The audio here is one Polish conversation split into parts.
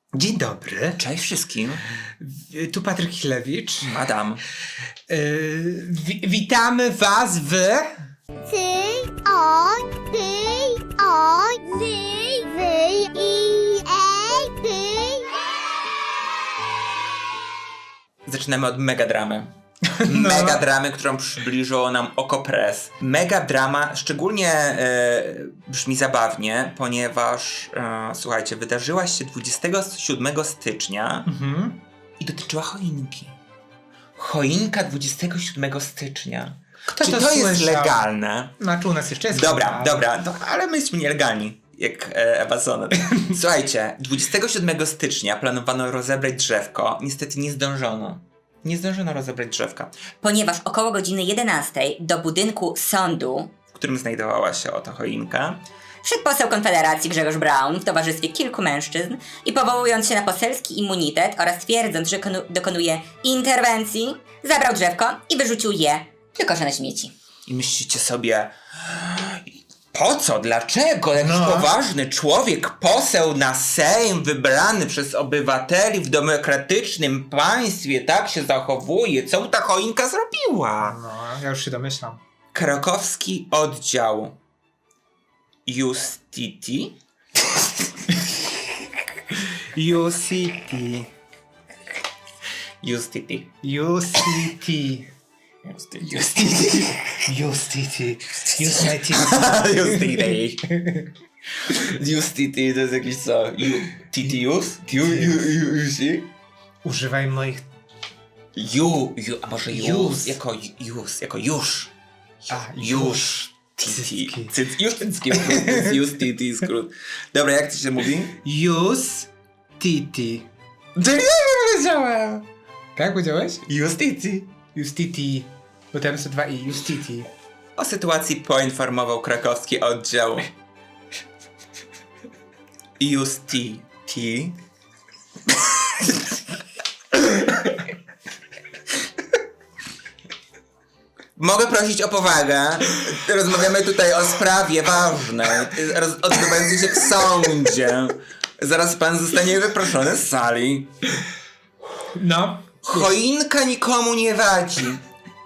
Dzień dobry. Cześć wszystkim. Tu Patryk Chilewicz. Madam. Witamy was w... Zaczynamy od megadramy. No. Megadramy, którą przybliżyło nam Okopres. Megadrama szczególnie brzmi zabawnie, ponieważ słuchajcie, wydarzyła się 27 stycznia i dotyczyła choinki. Choinka 27 stycznia. Kto Czy to to jest słyszał? legalne? Znaczy u nas jeszcze jest... Dobra, no, ale my jesteśmy nielegalni, jak Ewa Sonet. Słuchajcie, 27 stycznia planowano rozebrać drzewko. Niestety nie zdążono. Nie zdążono rozebrać drzewka, Ponieważ około godziny 11 do budynku sądu w którym znajdowała się oto choinka. wszedł poseł Konfederacji Grzegorz Braun w towarzystwie kilku mężczyzn i powołując się na poselski immunitet oraz twierdząc, że dokonuje interwencji, zabrał drzewko i wyrzucił je do kosza na śmieci. I myślicie sobie, po co? Dlaczego jakiś No. poważny człowiek, poseł na Sejm, wybrany przez obywateli w demokratycznym państwie tak się zachowuje? Co mu ta choinka zrobiła? No, ja już się domyślam. Krakowski oddział Justiti UCT. Justiti. UCT. Justiti. UCT. Justiti to jest jakiś co? Titius? Używaj moich... A może Jus. jako już. A, Już. Cycki. Już cycki. Już titi skrót. Dobra, jak to się mówi? UCT. To nie powiedziałem. Tak powiedziałeś? Justiti. UCT. Bo tam są dwa i. UCT. O sytuacji poinformował krakowski oddział Justiti. Mogę prosić o powagę. Rozmawiamy tutaj o sprawie ważnej, odbywającej się w sądzie. Zaraz pan zostanie wyproszony z sali. No. Choinka nikomu nie wadzi.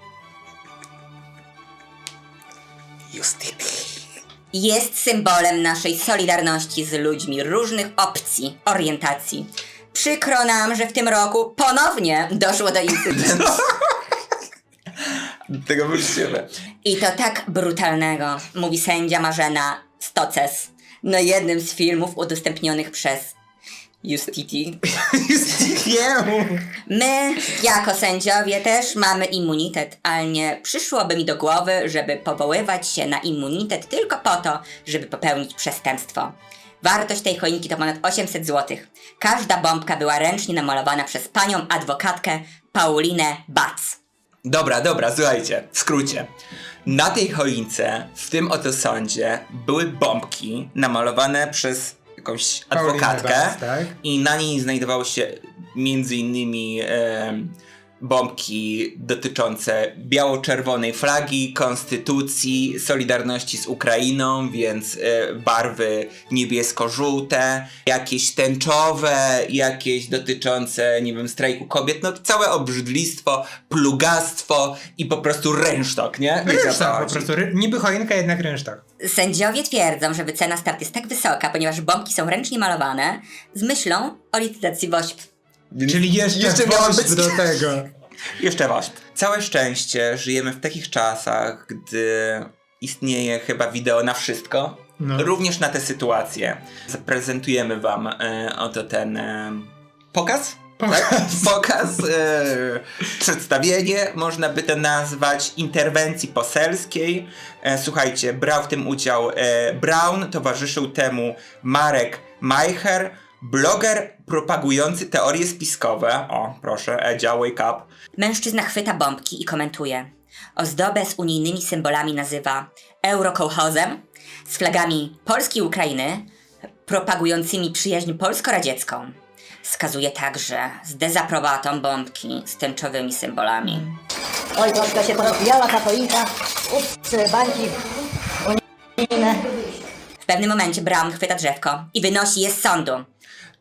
Justiti. Jest symbolem naszej solidarności z ludźmi różnych opcji, orientacji. Przykro nam, że w tym roku ponownie doszło do incydentu. Tego wyjściemy. I to tak brutalnego, mówi sędzia Marzena Stoces na jednym z filmów udostępnionych przez Justiti. My, jako sędziowie, też mamy immunitet, ale nie przyszłoby mi do głowy, żeby powoływać się na immunitet tylko po to, żeby popełnić przestępstwo. Wartość tej choinki to ponad 800 zł. Każda bombka była ręcznie namalowana przez panią adwokatkę Paulinę Bac. Dobra, słuchajcie, w skrócie. Na tej choince, w tym oto sądzie, były bombki namalowane przez jakąś adwokatkę Bac, tak? i na niej znajdowały się między innymi bombki dotyczące biało-czerwonej flagi, konstytucji, solidarności z Ukrainą, więc barwy niebiesko-żółte, jakieś tęczowe, jakieś dotyczące, nie wiem, strajku kobiet, no całe obrzydlistwo, plugastwo i po prostu rynsztok, nie? Wiecie, o co Rynsztok po chodzi. prostu. Niby choinka, jednak rynsztok. Sędziowie twierdzą, że wycena start jest tak wysoka, ponieważ bombki są ręcznie malowane z myślą o licytacji WOŚP. Czyli jeszcze miało WOŚP być- do tego. Jeszcze WOŚP. Całe szczęście żyjemy w takich czasach, gdy istnieje chyba wideo na wszystko, No. również na te sytuacje. Zaprezentujemy wam oto ten pokaz? Tak? Pokaz, przedstawienie, można by to nazwać, interwencji poselskiej. Słuchajcie, brał w tym udział Braun, towarzyszył temu Marek Majcher, bloger propagujący teorie spiskowe. O, proszę, Edzia, wake up. Mężczyzna chwyta bombki i komentuje. Ozdobę z unijnymi symbolami nazywa eurokołchozem, z flagami Polski i Ukrainy, propagującymi przyjaźń polsko-radziecką. Wskazuje także z dezaprobatą bombki z tęczowymi symbolami. Oj, troszkę się porozwijała ta choinka. Ups, bańki unijne. W pewnym momencie Braun chwyta drzewko i wynosi je z sądu.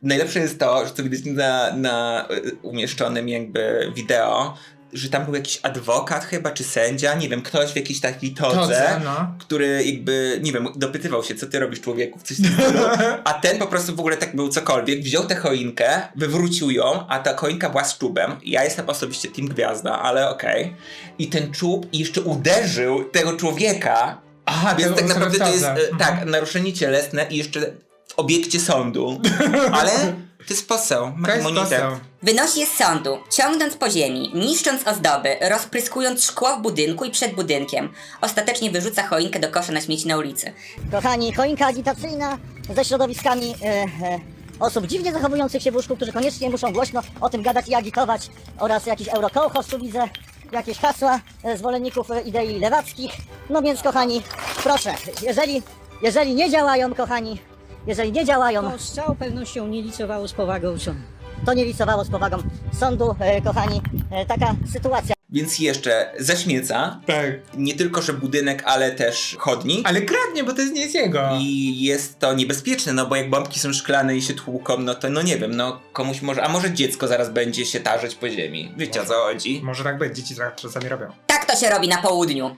Najlepsze jest to, że co widać na umieszczonym jakby wideo, że tam był jakiś adwokat chyba, czy sędzia, nie wiem, ktoś w jakiejś takiej todze, który jakby, nie wiem, dopytywał się, co ty robisz, człowieku, w coś w tym stylu. A ten po prostu w ogóle tak był cokolwiek, wziął tę choinkę, wywrócił ją, a ta choinka była z czubem. Ja jestem osobiście team Gwiazda, ale okej. I ten czub jeszcze uderzył tego człowieka. Aha, więc tak naprawdę to jest, Mhm. naruszenie cielesne i jeszcze w obiekcie sądu. Ale to jest poseł, ma To jest immunitet. poseł. Wynosi je z sądu, ciągnąc po ziemi, niszcząc ozdoby, rozpryskując szkło w budynku i przed budynkiem. Ostatecznie wyrzuca choinkę do kosza na śmieci na ulicy. Kochani, choinka agitacyjna ze środowiskami osób dziwnie zachowujących się w łóżku, którzy koniecznie muszą głośno o tym gadać i agitować, oraz jakiś eurokołchoz, tu widzę jakieś hasła zwolenników idei lewackich. No więc kochani, proszę, jeżeli nie działają, kochani, jeżeli nie działają, To z całą pewnością nie licowało z powagą sądu. to nie licowało z powagą sądu, kochani, taka sytuacja. Więc jeszcze zaśmieca. Tak. Nie tylko, że budynek, ale też chodnik. Ale kradnie, bo to jest nie jest jego. I jest to niebezpieczne, no bo jak bombki są szklane i się tłuką, no to no nie wiem, no komuś może, a może dziecko zaraz będzie się tarzać po ziemi. Wiecie o co chodzi? Może tak być, dzieci tak czasami robią. Tak to się robi na południu.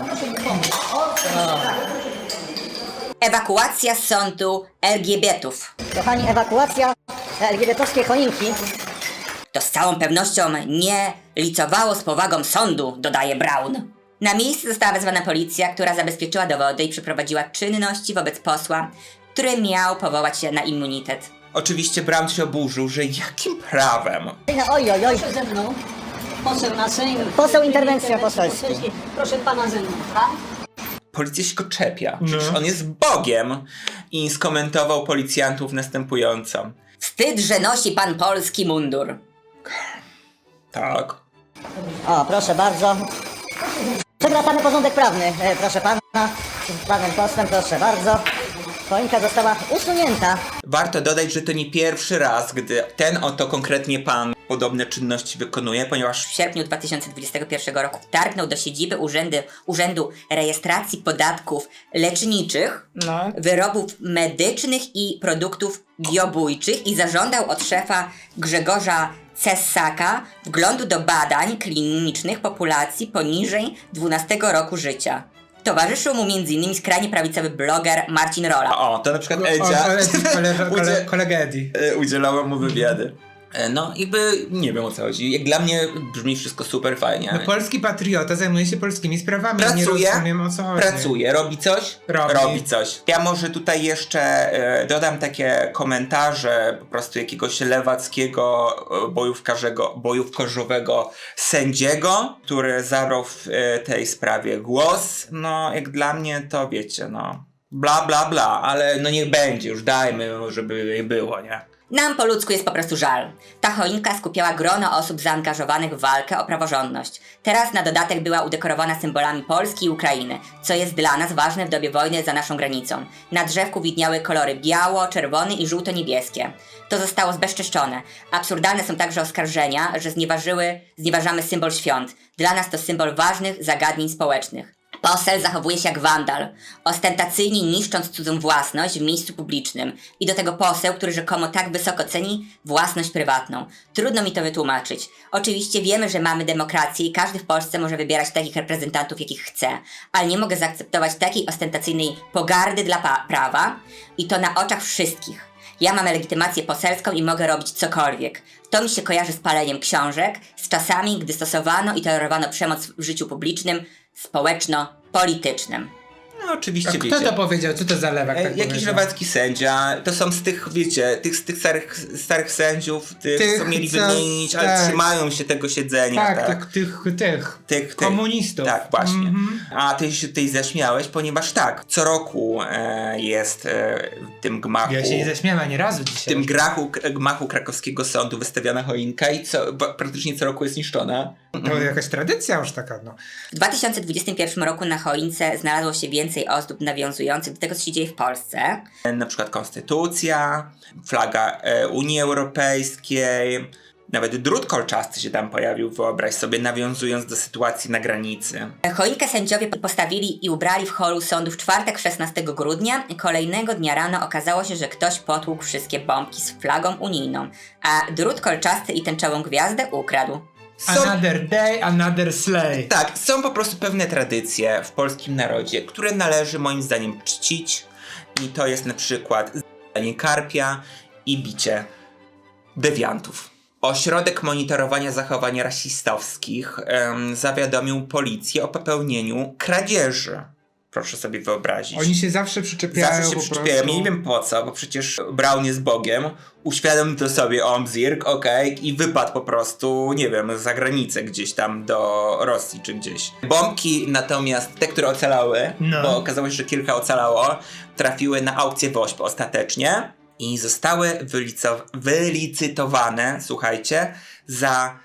Ewakuacja z sądu LGBT-ów. Kochani, ewakuacja LGBT-owskiej choinki. To z całą pewnością nie licowało z powagą sądu, dodaje Brown. Na miejsce została wezwana policja, która zabezpieczyła dowody i przeprowadziła czynności wobec posła, który miał powołać się na immunitet. Oczywiście Brown się oburzył, że jakim prawem? Oj, oj, oj. Proszę ze mną. Poseł na Sejm. Poseł interwencja poselska. Proszę pana ze mną. Policja się go czepia, przecież on jest Bogiem. I skomentował policjantów następująco. Wstyd, że nosi pan polski mundur. Tak. O, proszę bardzo. Przywracamy porządek prawny, proszę pana. Z panem posłem, proszę bardzo. Choinka została usunięta. Warto dodać, że to nie pierwszy raz, gdy ten oto konkretnie pan podobne czynności wykonuje, ponieważ W sierpniu 2021 roku wtargnął do siedziby Urzędu Rejestracji Podatków Leczniczych, Wyrobów Medycznych i Produktów Biobójczych i zażądał od szefa Grzegorza Cessaka wglądu do badań klinicznych populacji poniżej 12 roku życia. Towarzyszył mu m.in. skrajnie prawicowy bloger Marcin Rola. o, to na przykład Edzia Kolega Eddie. udzielała mu wywiady. No, jakby nie wiem o co chodzi. Jak dla mnie brzmi wszystko super fajnie. No, polski patriota zajmuje się polskimi sprawami. Nie Pracuje, rozumiem o co chodzi. pracuje, robi coś? Robi. Coś. Ja może tutaj jeszcze dodam takie komentarze po prostu jakiegoś lewackiego bojówkarzowego sędziego, który zabrał w tej sprawie głos. No, jak dla mnie to wiecie, no bla bla bla, ale no niech będzie, już dajmy, żeby nie było, nie? Nam po ludzku jest po prostu żal. Ta choinka skupiała grono osób zaangażowanych w walkę o praworządność. Teraz na dodatek była udekorowana symbolami Polski i Ukrainy, co jest dla nas ważne w dobie wojny za naszą granicą. Na drzewku widniały kolory biało, czerwony i żółto-niebieskie. To zostało zbezczeszczone. Absurdalne są także oskarżenia, że znieważamy symbol świąt. Dla nas to symbol ważnych zagadnień społecznych. Poseł zachowuje się jak wandal, ostentacyjnie niszcząc cudzą własność w miejscu publicznym. I do tego poseł, który rzekomo tak wysoko ceni własność prywatną. Trudno mi to wytłumaczyć. Oczywiście wiemy, że mamy demokrację i każdy w Polsce może wybierać takich reprezentantów, jakich chce. Ale nie mogę zaakceptować takiej ostentacyjnej pogardy dla prawa i to na oczach wszystkich. Ja mam legitymację poselską i mogę robić cokolwiek. To mi się kojarzy z paleniem książek, z czasami, gdy stosowano i tolerowano przemoc w życiu publicznym, społeczno-politycznym. No oczywiście A wiecie. kto to powiedział? Co to za lewak tak Jakiś powiedział? lewacki sędzia, to są z tych, wiecie, z tych starych sędziów, tych co mieli wymienić, ale tak. trzymają się tego siedzenia. Tak, tych komunistów. Tak, właśnie. A ty się tutaj zaśmiałeś, ponieważ tak, co roku jest w tym gmachu. Ja się nie zaśmiałem ani razu W dzisiaj. tym gmachu krakowskiego sądu wystawiana choinka i praktycznie co roku jest niszczona. To jakaś tradycja już taka, no. W 2021 roku na choince znalazło się więcej ozdób nawiązujących do tego, co się dzieje w Polsce. Na przykład konstytucja, flaga Unii Europejskiej, Nawet drut kolczasty się tam pojawił, wyobraź sobie, nawiązując do sytuacji na granicy. Choinkę sędziowie postawili i ubrali w holu sądu w czwartek 16 grudnia. Kolejnego dnia rano okazało się, że ktoś potłukł wszystkie bombki z flagą unijną, a drut kolczasty i tęczową gwiazdę ukradł. Another day, another slay. Tak, są po prostu pewne tradycje w polskim narodzie, które należy moim zdaniem czcić. I to jest na przykład zjadanie karpia i bicie dewiantów. Ośrodek monitorowania zachowań rasistowskich zawiadomił policję o popełnieniu kradzieży. Proszę sobie wyobrazić. Oni się zawsze przyczepiają Zawsze się po przyczepiają. prostu. Ja nie wiem po co, bo przecież Brown jest Bogiem. Uświadomił to sobie Omzirk, okej, i wypadł po prostu, nie wiem, za granicę gdzieś tam do Rosji czy gdzieś. Bombki natomiast, te, które ocalały, No. bo okazało się, że kilka ocalało, trafiły na aukcję WOŚP ostatecznie i zostały wylicytowane, słuchajcie, za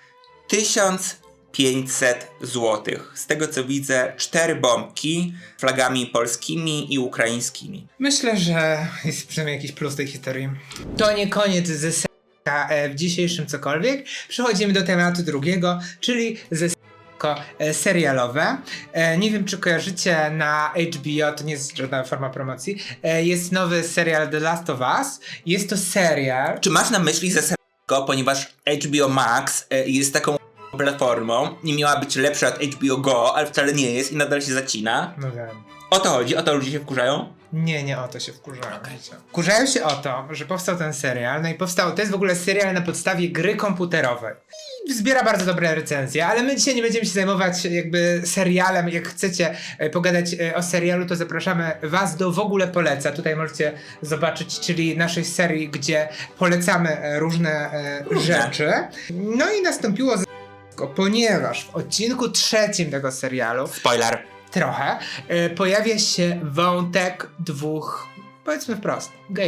1500 zł. Z tego co widzę, 4 bombki flagami polskimi i ukraińskimi. Myślę, że jest przynajmniej jakiś plus tej historii. To nie koniec ze s***a w dzisiejszym cokolwiek. Przechodzimy do tematu drugiego, czyli ze serialowe. Nie wiem, czy kojarzycie, na HBO, to nie jest żadna forma promocji, jest nowy serial The Last of Us. Jest to serial... Czy masz na myśli ze serialego, ponieważ HBO Max jest taką platformą, nie miała być lepsza od HBO Go, ale wcale nie jest i nadal się zacina. No wiem. O to chodzi? O to ludzie się wkurzają? Nie o to się wkurzają. Wkurzają się o to, że powstał ten serial, no i to jest w ogóle serial na podstawie gry komputerowej. I zbiera bardzo dobre recenzje, ale my dzisiaj nie będziemy się zajmować jakby serialem. Jak chcecie pogadać o serialu, to zapraszamy was do W ogóle poleca. Tutaj możecie zobaczyć, czyli naszej serii, gdzie polecamy różne rzeczy. No i nastąpiło ponieważ w odcinku 3 tego serialu Spoiler. trochę, pojawia się wątek dwóch, powiedzmy wprost,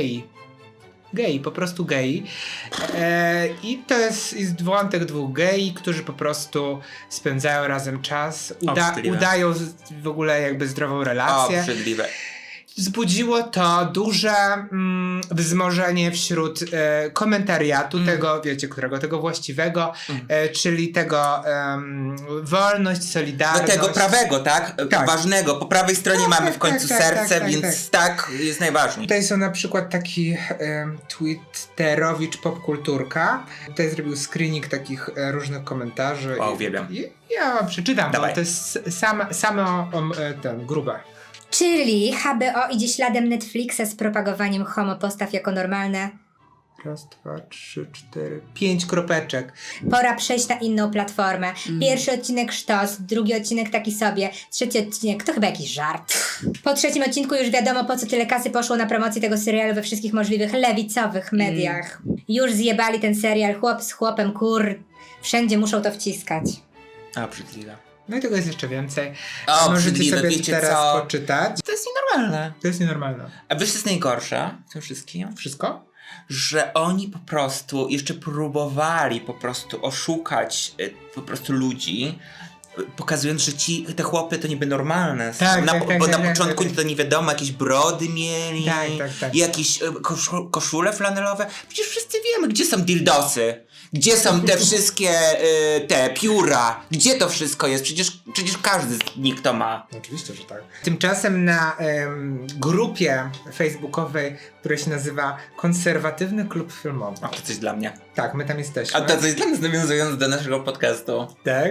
gei, po prostu gei. I to jest wątek dwóch gei, którzy po prostu spędzają razem czas, udają w ogóle jakby zdrową relację. Obrzydliwe. Wzbudziło to duże wzmożenie wśród komentariatu tego, wiecie, którego? Tego właściwego, czyli tego wolność, solidarność. Do tego prawego, tak? Tak. Ważnego. Po prawej stronie mamy w końcu serce, tak, więc tak jest najważniej. Tutaj są na przykład taki twitterowicz popkulturka. Tutaj zrobił screening takich różnych komentarzy. O, uwielbiam. I ja wam przeczytam, Dawaj. bo to jest same grube. Czyli HBO idzie śladem Netflixa z propagowaniem homopostaw jako normalne. 1, 2, 3, 4, 5 kropeczek. Pora przejść na inną platformę. Pierwszy odcinek sztos, drugi odcinek taki sobie, trzeci odcinek to chyba jakiś żart. Po trzecim odcinku już wiadomo, po co tyle kasy poszło na promocję tego serialu we wszystkich możliwych lewicowych mediach. Już zjebali ten serial, chłop z chłopem, wszędzie muszą to wciskać. Obrzydliwe. No i tego jest jeszcze więcej. O, Możecie obrzydliwe, sobie wiecie teraz co? poczytać. To jest nienormalne. To jest nienormalne. A wiesz, co jest najgorsze w tym wszystkim? Wszystko? Że oni po prostu jeszcze próbowali po prostu oszukać po prostu ludzi, pokazując, że te chłopy to niby normalne. Bo na początku to nie wiadomo, jakieś brody mieli, Tak. jakieś koszule flanelowe. Przecież wszyscy wiemy, gdzie są dildosy. Gdzie są te wszystkie te pióra? Gdzie to wszystko jest? Przecież każdy z nich to ma. Oczywiście, że tak. Tymczasem na grupie facebookowej, która się nazywa Konserwatywny Klub Filmowy. O, to coś dla mnie. Tak, my tam jesteśmy. A to coś dla nas, nawiązując do naszego podcastu. Tak.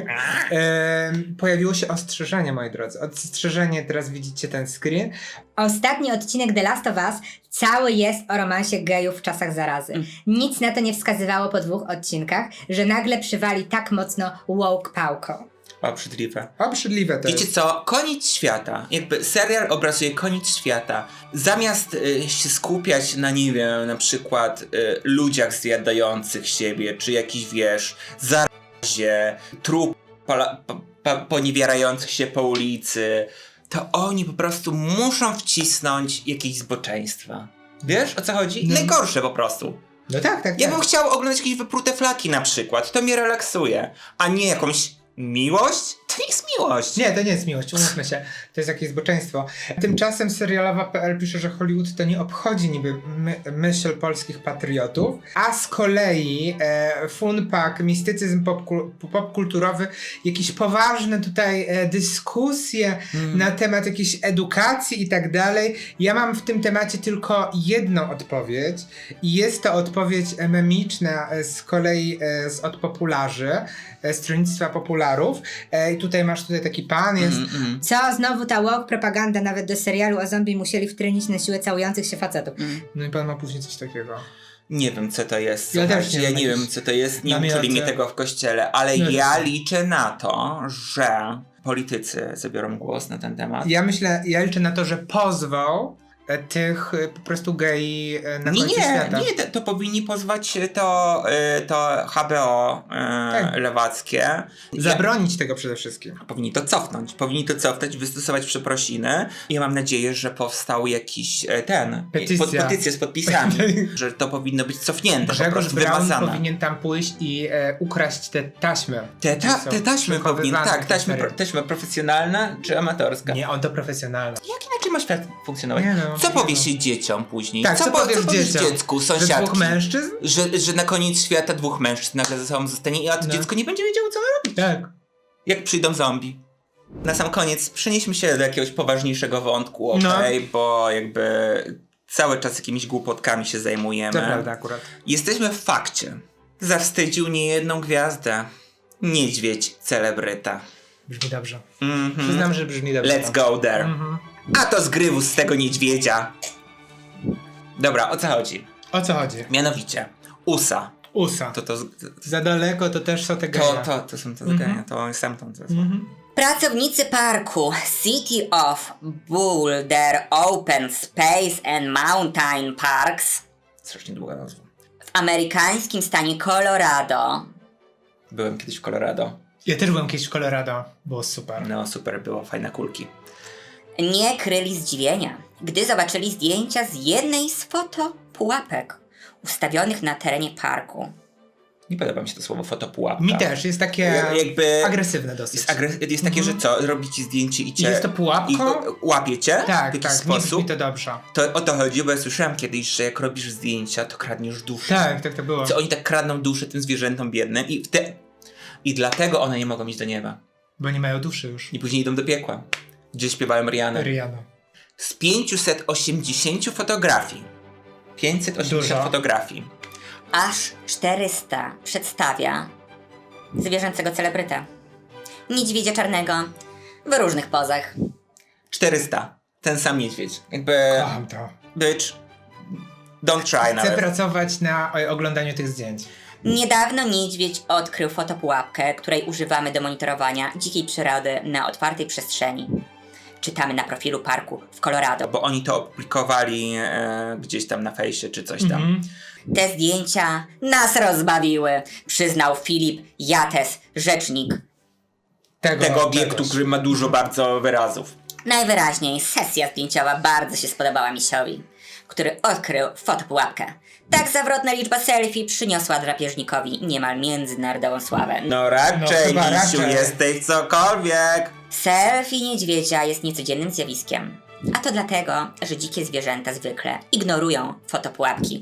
Pojawiło się ostrzeżenie, moi drodzy. Ostrzeżenie, teraz widzicie ten screen. Ostatni odcinek The Last of Us cały jest o romansie gejów w czasach zarazy. Nic na to nie wskazywało po 2 odcinkach, że nagle przywali tak mocno woke pałką. Obrzydliwe. Obrzydliwe to Wiecie jest. co? Koniec świata. Jakby serial obrazuje koniec świata. Zamiast się skupiać na, nie wiem, na przykład ludziach zjadających siebie, czy jakiś, wiesz, zarazie, trup poniewierających się po ulicy, to oni po prostu muszą wcisnąć jakieś zboczeństwa. Wiesz, o co chodzi? Najgorsze po prostu. No tak. Ja bym chciał oglądać jakieś wyprute flaki na przykład. To mnie relaksuje. A nie jakąś miłość? To nie jest miłość. Nie, to nie jest miłość, umówmy się. To jest jakieś zboczeństwo. Tymczasem serialowa.pl pisze, że Hollywood to nie obchodzi niby myśl polskich patriotów, a z kolei funpak, mistycyzm popkulturowy, jakieś poważne tutaj dyskusje na temat jakiejś edukacji i tak dalej. Ja mam w tym temacie tylko jedną odpowiedź i jest to odpowiedź memiczna z kolei od popularzy, stronnictwa popularów. I tutaj masz taki pan, jest... Co? Znowu ta woke propaganda nawet do serialu o zombie musieli wtrenić na siłę całujących się facetów. No i pan ma później coś takiego. Nie wiem, co to jest. Ja też Słuchajcie, nie ja wiem, nie jakieś wiem, co to jest. Nie namioty. uczyli mnie tego w kościele, ale No ja tak. liczę na to, że politycy zabiorą głos na ten temat. Ja liczę na to, że pozwał tych po prostu gei na Nie, końcu świata. to powinni pozwać to HBO Tak. lewackie. Zabronić tego przede wszystkim. Powinni to cofnąć, wystosować przeprosiny. Ja mam nadzieję, że powstał jakiś Petycja. petycja z podpisami, że to powinno być cofnięte, po Grzegorz prostu Braun wymazane. powinien tam pójść i ukraść te taśmy. Te taśmy powinien, tak, taśmy. taśma profesjonalna czy amatorska? Nie, on to profesjonalny. Jak inaczej ma świat funkcjonować? Nie no, co nie powiesz no. się dzieciom później? Tak, co powiesz dzieciom? dziecku, Że sąsiadki? dwóch mężczyzn? Że na koniec świata dwóch mężczyzn nagle ze sobą zostanie, a to No. dziecko nie będzie wiedziało, co ma robić. Tak. Jak przyjdą zombie. Na sam koniec przenieśmy się do jakiegoś poważniejszego wątku, No. bo jakby cały czas jakimiś głupotkami się zajmujemy. To prawda akurat. Jesteśmy w fakcie. Zawstydził niejedną gwiazdę. Niedźwiedź celebryta. Brzmi dobrze. Mhm. Przyznam, że brzmi dobrze. Let's go there. Mhm. A to zgrywus z tego niedźwiedzia. Dobra, o co chodzi? O co chodzi? Mianowicie, USA. USA. To Za daleko to też są te geje. to są te zagania, to jest sam tam. Pracownicy parku City of Boulder Open Space and Mountain Parks Strasznie długa nazwa. w amerykańskim stanie Colorado Byłem kiedyś w Colorado. Ja też byłem kiedyś w Colorado. Było super. No super było, fajne kulki. nie kryli zdziwienia, gdy zobaczyli zdjęcia z jednej z fotopułapek ustawionych na terenie parku. Nie podoba mi się to słowo fotopułapka. Mi też, jest takie Jakby agresywne dosyć. jest takie, że co, robi ci zdjęcie i cię... I jest to pułapką? I łapie cię w Tak, jakiś tak, nie sposób. brzmi to dobrze. To o to chodzi, bo ja słyszałem kiedyś, że jak robisz zdjęcia, to kradniesz duszę. Tak, tak to było. Co oni tak kradną duszę tym zwierzętom biednym i dlatego one nie mogą iść do nieba. Bo nie mają duszy już. I później idą do piekła, gdzie śpiewają Rihanna. Rihanna. Z 580 fotografii. 580 Dużo. fotografii. Aż 400 przedstawia zwierzęcego celebrytę. Niedźwiedzia czarnego w różnych pozach. 400. Ten sam niedźwiedź. Jakby... Kocham to. Bitch. Don't try Chcę nawet. pracować na oglądaniu tych zdjęć. Niedawno niedźwiedź odkrył fotopułapkę, której używamy do monitorowania dzikiej przyrody na otwartej przestrzeni. Czytamy na profilu parku w Colorado. Bo oni to opublikowali gdzieś tam na fejsie czy coś tam. Mhm. Te zdjęcia nas rozbawiły, przyznał Filip Yates, rzecznik. Tego obiektu, tegoż. który ma dużo bardzo wyrazów. Najwyraźniej sesja zdjęciowa bardzo się spodobała misiowi, który odkrył fotopułapkę. Tak zawrotna liczba selfie przyniosła drapieżnikowi niemal międzynarodową sławę. No raczej, chyba Misiu, raczej. jesteś cokolwiek. Selfie niedźwiedzia jest niecodziennym zjawiskiem. A to dlatego, że dzikie zwierzęta zwykle ignorują fotopułapki.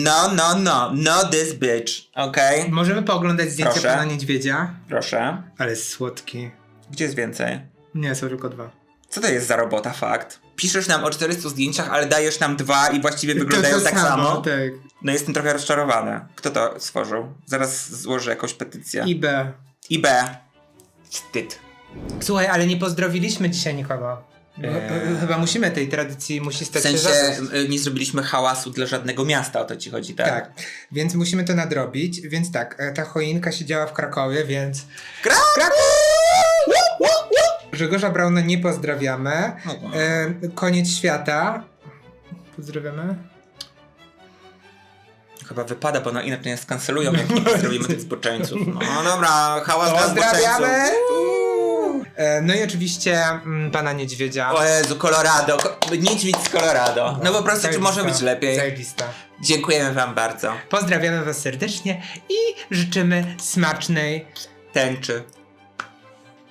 No this bitch, okej? Możemy pooglądać zdjęcie Proszę. pana niedźwiedzia? Proszę. Ale jest słodki. Gdzie jest więcej? Nie, są tylko 2. Co to jest za robota, fakt? Piszesz nam o 400 zdjęciach, ale dajesz nam 2 i właściwie wyglądają tak samo. Tak. No jestem trochę rozczarowany. Kto to stworzył? Zaraz złożę jakąś petycję. I B. Wstyd. Słuchaj, ale nie pozdrowiliśmy dzisiaj nikogo. Chyba musimy tej tradycji, musi W stać się sensie zadość. nie zrobiliśmy hałasu dla żadnego miasta, o to ci chodzi, tak? Tak, więc musimy to nadrobić. Więc tak, ta choinka siedziała w Krakowie, więc... Kraków! Grzegorza Brauna nie pozdrawiamy. No. Koniec świata. Pozdrawiamy. Chyba wypada, bo inaczej nas skancelują, jak nie pozdrowimy tych zboczeńców. No dobra, hałas dla Pozdrawiamy! zboczeńców. No i oczywiście pana niedźwiedzia. O Jezu, Colorado. Niedźwiedź z Colorado. No po prostu, czy Zajebista. może być lepiej? Zajebista. Dziękujemy wam bardzo. Pozdrawiamy was serdecznie i życzymy smacznej Tęczy.